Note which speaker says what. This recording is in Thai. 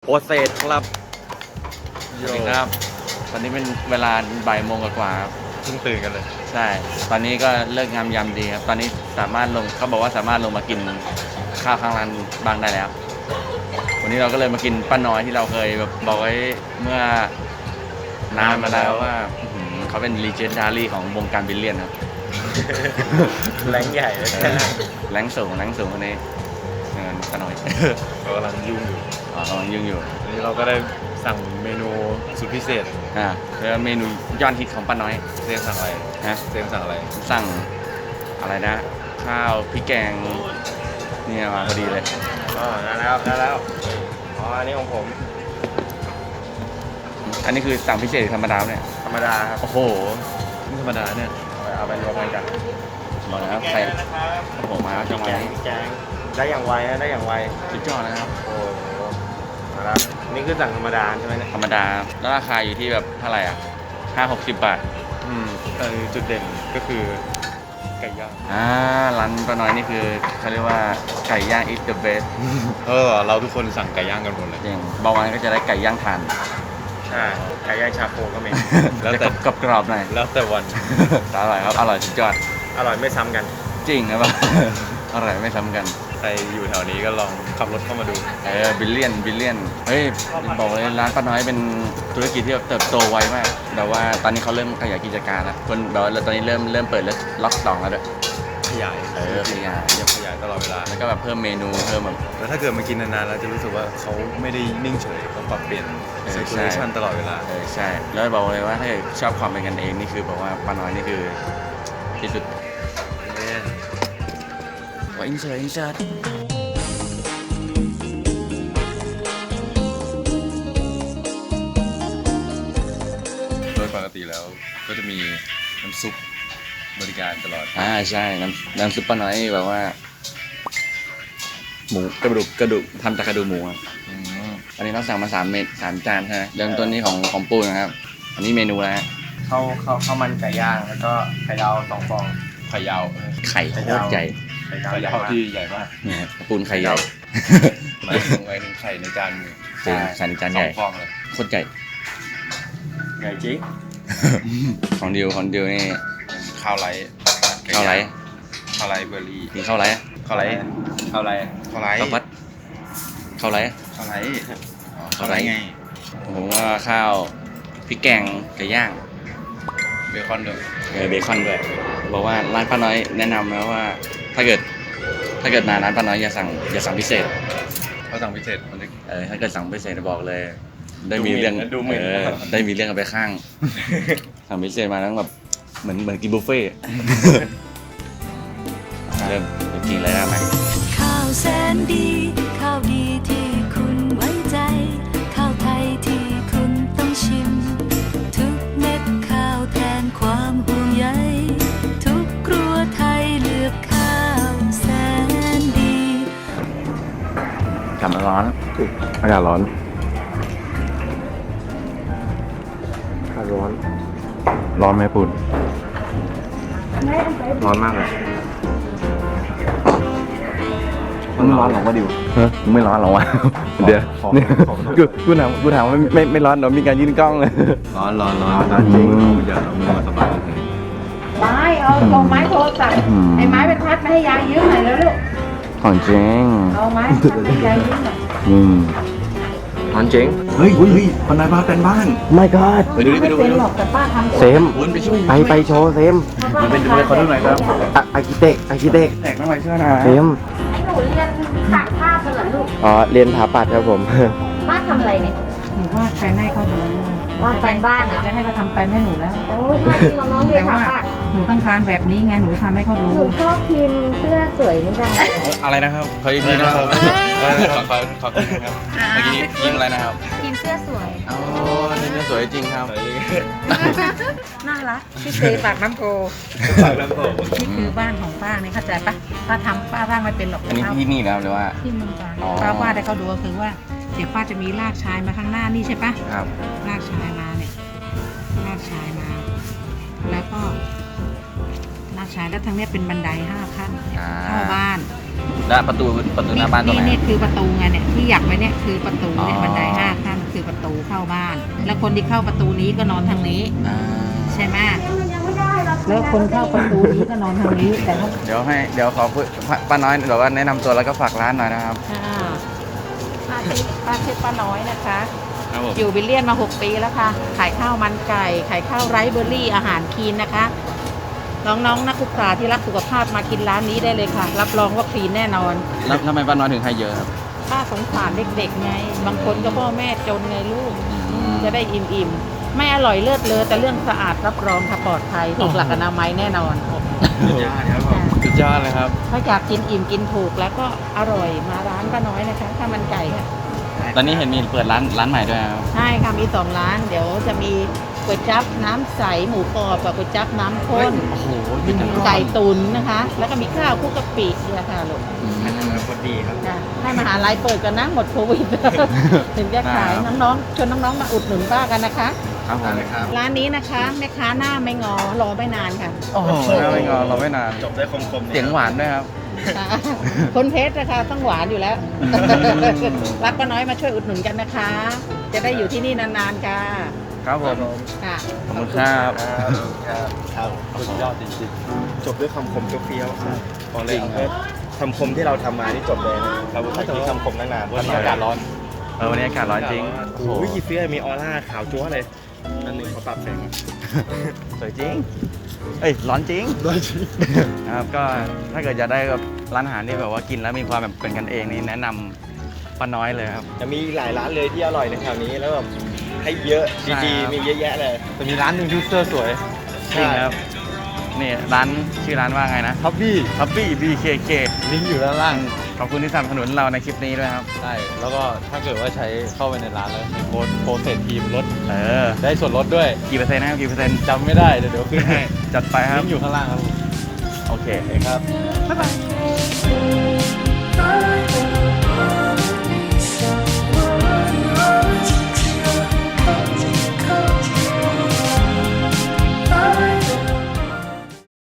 Speaker 1: โปรเซสครับสวัสดีครับตอนนี้เป็นเวลาบ่ายโมงกว่าครับ
Speaker 2: เพิ่งตื่นกันเลย
Speaker 1: ใช่ตอนนี้ก็เลิกงามยามดีครับตอนนี้สามารถลงเขาบอกว่าสามารถลงมากินข้าวข้างร้านบางได้แล้ววันนี้เราก็เลยมากินป้าน้อยที่เราเคยแบบบอกไว้เมื่อนานมาแล้วว่าเขาเป็นลีเจนดารี่ของวงการบิลเลียนครับ
Speaker 2: แรงใหญ่เลย
Speaker 1: แรงสูงคนนี้เงินป้าน้อย
Speaker 2: เรากำลังยุ่งอยู่
Speaker 1: กำลังยุ่งอยู่
Speaker 2: วันนี้เราก็ได้สั่งเมนูสุดพิเศษ
Speaker 1: แล้วเมนูยอดฮิตของป้าน้อย
Speaker 2: เซมสั่งอะไร
Speaker 1: ฮะ
Speaker 2: เซมสั่งอะไร
Speaker 1: สั่งอะไรนะข้าวพริกแกงเนี่ยมาพอดีเลย
Speaker 2: ได้แล้วอ๋ออันนี้ของผม
Speaker 1: อันนี้คือสั่งพิเศษธรรมดาเนี่ย
Speaker 2: ธรรมดาครับ
Speaker 1: โอ้โห
Speaker 2: นี่ธรรมดาเนี่ยเอาไปรวมกันกัน
Speaker 1: บอกแล้วใครผมมาจังหวะนี้
Speaker 2: แกงได้อย่างไวนะได้อย่างไว
Speaker 1: สุดยอดนะครับ
Speaker 2: โอ้โหมาแล้วนี่คือสั่งธรรมดาใช่ไหมเนี่ย
Speaker 1: ธรรมดาแล้วราคาอยู่ที่แบบเท่าไหร่อ่ะ50-60 บาท
Speaker 2: จุดเด่นก็คือไก่ย่าง
Speaker 1: ร้านป้าน้อยนี่คือเขาเรียกว่าไก่ย่าง is the best
Speaker 2: เราทุกคนสั่งไก่ย่างกันหมดเลย
Speaker 1: จริงบางวันก็จะได้ไก่ย่างทาน
Speaker 2: ใช่ไก่ย่างชาโคก็มี
Speaker 1: แล้วแต่กรอบๆหน่อย
Speaker 2: แล้วแต่วัน
Speaker 1: อร่อยครับอร่อยสุดยอด
Speaker 2: อร่อยไม่ซ้ำกัน
Speaker 1: จริงครับ อร่อยไม่ซ้ำกัน
Speaker 2: ใครอยู่แถวนี้ก็ลองขับรถเข้ามาดู
Speaker 1: บิลเลียนเฮ้ยบอกเลยร้านป้าน้อยเป็นธุรกิจที่แบบเติบโตไวมากแต่ว่าตอนนี้เขาเริ่มขยายกิจการแล้วคนแบบว่าตอนนี้เริ่มเปิดล็อก2แล้วด้วย
Speaker 2: ขยาย
Speaker 1: ขยาย
Speaker 2: ขยายตลอดเวลา
Speaker 1: แล้วก็แบบเพิ่มเมนูเพิ่มแบบ
Speaker 2: แล้วถ้าเกิดมากินนานๆเราจะรู้สึกว่าเขาไม่ได้นิ่งเฉยเขาปรับเปลี่ยน
Speaker 1: ใช่
Speaker 2: situation ตลอดเวลา
Speaker 1: ใช่แล้วบอกเลยว่าถ้าเกิดชอบความเป็นกันเองนี่คือบอกว่าป้าน้อยนี่คือที่สุดว่าอินเสิร์ต
Speaker 2: โดยปกติแล้วก็จะมีน้ำซุปบริการตลอด
Speaker 1: ใช่น้ำซุปป้าน้อยแบบว่าหมูกระดูกทำจากกระดูกหมูครับอันนี้เราสั่งมา3 จานใช่ไหมเริ่มต้นนี้ของปูนะครับอันนี้เมนูแล้ว
Speaker 2: ข้าวมันไก่ย่างแล้วก็ไข่ดาว2 ฟองไข่ยาว
Speaker 1: ไข่โคตรใหญ่
Speaker 2: ไข่ยาวที่ใหญ่มาก
Speaker 1: เนี่ยปูนไข่ใหญ่
Speaker 2: หมายถึงไข่ในจานมือ
Speaker 1: จริงไข่ในจานใหญ่
Speaker 2: 2 ฟองเลย
Speaker 1: โคตรใหญ่
Speaker 2: ใหญ่จริง
Speaker 1: ของดิวนี่
Speaker 2: ข้าวไร
Speaker 1: ข้าวไร
Speaker 2: ข้าวไรเบอร์รี่
Speaker 1: กินข้าวไร
Speaker 2: ข้าวไรข้าวไร
Speaker 1: ข้าวพัดข้าวไร
Speaker 2: ข้าวไร
Speaker 1: ข้าวไรไงผมว่าข้าวพริกแกงไก่ย่าง
Speaker 2: เบคอนด้วย
Speaker 1: เบคอนด้วยบอกว่าร้านป้าน้อยแนะนำนะว่าถ้าเกิดมาร้านป้าน้อยอย่าสั่งพิเศษ
Speaker 2: เขาสั่งพิเศษ
Speaker 1: ถ้าเกิดสั่งพิเศษบอกเลย ได้มีเรื่อง
Speaker 2: ดูเหม็น
Speaker 1: ได้มีเรื่องกันไปข้าง สั่งพิเศษมาแล้วแบบเหมือนกินบุฟเฟ่ต์ เริ่มกินเลยได้ไหม
Speaker 3: ข้าวแสนดีข้าวดีที่คุณไว้ใจข้าวไทยที่คุณต้องชิมทุกเม็ดข้าวแทนความห่วงใยทุกครัวไทยเลือกข้าวแสนดี
Speaker 1: กลับมาร้อนอากาศร้อน ร้อนไหมปุ่นร้อนมากเลยไม่ร้อนหรอวะดิวไม่ร้อนหรอวะเดี๋ยวกูถามว่าไม่ร้อนเหรอมีการยื่นกล้องเลย
Speaker 2: ร้อนจริงอย่าเอามือมาสบายเลย
Speaker 4: ไม้เอาไม้โทรศัพท์ไอ้ไม้ไปพัดมาให้ยายยืมหน่อยแล้วลูก
Speaker 1: ของจริง
Speaker 4: เอาไม้พัดให้ยายยืมหน่อย
Speaker 1: ร้อนจริงเฮ้ยคนไหนบ้านเป็นบ้าน
Speaker 5: ไม่ก็
Speaker 1: ไปดูดิ
Speaker 4: ไม่เป็นหรอกแต่ป้าทำ
Speaker 5: เซม
Speaker 1: ปุ่นไปช่วย
Speaker 5: ไปโชว์เซม
Speaker 1: มันเป็นดูเลยเขาดูหน่อยครับ
Speaker 5: อาร์คิเต็ก
Speaker 1: แตกน้ำมันเชื่อนะ
Speaker 5: เซม
Speaker 4: ให้หนูเรียนถ่ายภาพกันเหรอลูก
Speaker 5: อ๋อเรียนถาปัดครับผม
Speaker 4: ป้าทำอะไรเนี่ยหนูว่าแฟนให้เขาดูว่าแฟนบ้านอ่ะจะให้เขาทำแฟนให้หนูแล้วโอ้ยป้าจริงน้องเรียนถ่ายภาพหนูต้องการแบบนี้ไงหนูทำให้เขาดู
Speaker 6: หนูชอบพิมพ์เสื้อสวยนี่จังเลย
Speaker 1: อะไรนะครับขออีกทีนะครับขอคุณครับเมื่อกี้ยิงอะไรนะครับ
Speaker 6: พิมพ์เสื้อสวย
Speaker 1: อ๋อนี่สวยจริงครับ
Speaker 4: น่ารักพี่เซปากน้ำโพนี่คือบ้านของป้านี่เข้าใจปะป้าทำป้าร่างไม่เป็นหรอก
Speaker 1: อันนี้ที่นี่นะครับหรือว่า
Speaker 4: ที่เมืองการ
Speaker 1: อ๋อ
Speaker 4: ป้าวาดให้เขาดูก็คือว่าเดี๋ยวป้าจะมีรากชายมาข้างหน้านี่ใช่ปะ
Speaker 1: ครับ
Speaker 4: รากชายมาเนี่ยรากชายมา แล้วก็รากชายแล้วทางเนี้ยเป็นบันได5 ขั้นเข้าบ้าน
Speaker 1: และประตูหน้าบ้านตรงไหน
Speaker 4: นี่คือประตูไงเนี่ยที่อยากไว้เนี่ยคือประตูเนี่ย
Speaker 1: อ๋อ
Speaker 4: บันได5 ขั้นคือประตูเข้าบ้าน แล้วคนที่เข้าประตูนี้ก็นอนทางนี้
Speaker 1: อ่า
Speaker 4: ใช่ไหมแล้วคนเข้าประตูนี้ก็นอนทางนี้แต่ถ้า
Speaker 1: เดี๋ยวขอพูดป้าน้อยเดี๋ยวว่าแนะนำตัวแล้วก็ฝากร้านหน่อยนะครับ
Speaker 4: ป้าชื่อป้าน้อยนะคะ
Speaker 1: ครับผม
Speaker 4: อยู่วิลเลียนมา 6 ปีแล้วค่ะ ขายข้าวมันไก่ ขายข้าวไรซ์เบอร์รี่อาหารคลีนนะคะ น้องๆนักศึกษาที่รักสุขภาพมากินร้านนี้ได้เลยค่ะ รับรองว่าคลีนแน่นอน
Speaker 1: แล้วทำไมป้าน้อยถึงให้เยอะครับ
Speaker 4: ป้าสงสารเด็กๆไง บางคนก็พ่อแม่จนไงลูก จะได้อิ่มๆ ไม่อร่อยเลิศเลอแต่เรื่องสะอาดรับรองค่ะปลอดภัยถูกหลักอนามัยแน่นอน
Speaker 1: สุดยอดครับผมสุดยอดเลยครับ
Speaker 4: ถ้าอยากกินอิ่มกินถูกแล้วก็อร่อยมาร้านป้าน้อยนะคะข้าวมันไก่ค่ะ
Speaker 1: ตอนนี้เห็นมีเปิดร้านใหม่ด้วยครับ
Speaker 4: ใช่ค่ะมี2 ร้าน เดี๋ยวจะมีก๋วยจั๊บน้ำใสหมูกรอบกับก๋วยจั๊บน้ำข้น
Speaker 1: โอ้โหเป็นทั้ง
Speaker 4: ไก่ตุ๋นนะคะ แล้วก็มีข้าวคลุกกะปิเนี่ยค่ะลูก
Speaker 1: คนดีครับ
Speaker 4: ค่ะให้มหาลัยเปิดกันนะหมดโควิด ถึงจะขาย
Speaker 1: ครับ
Speaker 4: น้องๆชวนน้องๆมาอุดหนุนป้ากันนะคะ
Speaker 1: ครับผม
Speaker 4: ร้านนี้นะคะแม่ค้าหน้าไม่งอรอไม่นานค่ะ
Speaker 1: โอ้โหน่าไม่งอเราไม่นาน
Speaker 2: จบได้คมๆ
Speaker 1: เสียงหวานด้วยครับ
Speaker 4: คนเพชรนะคะต้องหวานอยู่แล้ว
Speaker 1: อืม
Speaker 4: รักป้าน้อยมาช่วยอุดหนุนกันนะคะ จะได้อยู่ที่นี่นานๆค่ะ
Speaker 1: ครับผม
Speaker 4: ค่ะ
Speaker 1: ขอบคุณครับ
Speaker 2: ครับสุดยอดจริงๆจบด้วยคำคมเฟี้ยวๆบอกเลยคำคมที่เราทำมานี่จบเลยนะเราไม่ต้องคิดคำคมตั้งนานวันนี้อากาศร้อน
Speaker 1: วันนี้อากาศร้อนจริง
Speaker 2: โอ้โหกี่เฟี้ยวมีออร่าขาวจั๊วเลยอันหนึ่งเขาปรับแสง
Speaker 1: สวยจริง เอ้ยร้อนจริง ครับก็ถ้าเกิดจะได้แบบร้านอาหารที่แบบว่ากินแล้วมีความแบบเป็นกันเองนี่แนะนำป้าน้อยเลยครับ
Speaker 2: จะมีหลายร้านเลยที่อร่อยในแถวนี้แล้วแบบให้เยอะ
Speaker 1: ใช่
Speaker 2: ดี
Speaker 1: ครับ
Speaker 2: ๆมีเยอะแยะเลยแต่มีร้านหนึ่งที่เสื้อสวย
Speaker 1: จริงครับนี่ร้านชื่อร้านว่าไงนะ
Speaker 2: ทับบี้
Speaker 1: ทับบี้ BKK
Speaker 2: ลิงก์อยู่ด้านล่าง
Speaker 1: ขอบคุณที่สนับสนุนเราในคลิปนี้ด้วยครับ
Speaker 2: ใช่แล้วก็ถ้าเกิดว่าใช้เข้าไปในร้านแล้วโค้ดโปรเซสทีมลด
Speaker 1: เออ
Speaker 2: ได้ส่วนลดด้วย
Speaker 1: กี่เปอร์เซ็นต์นะครับกี่เปอร์เซ็นต์
Speaker 2: จำไม่ได้เดี๋ยวขึ้นให้
Speaker 1: จัดไปครับ
Speaker 2: ลิงก์อยู่ข้างล่างครับผม
Speaker 1: โอเค
Speaker 2: โอเคครับ
Speaker 1: บ๊ายบาย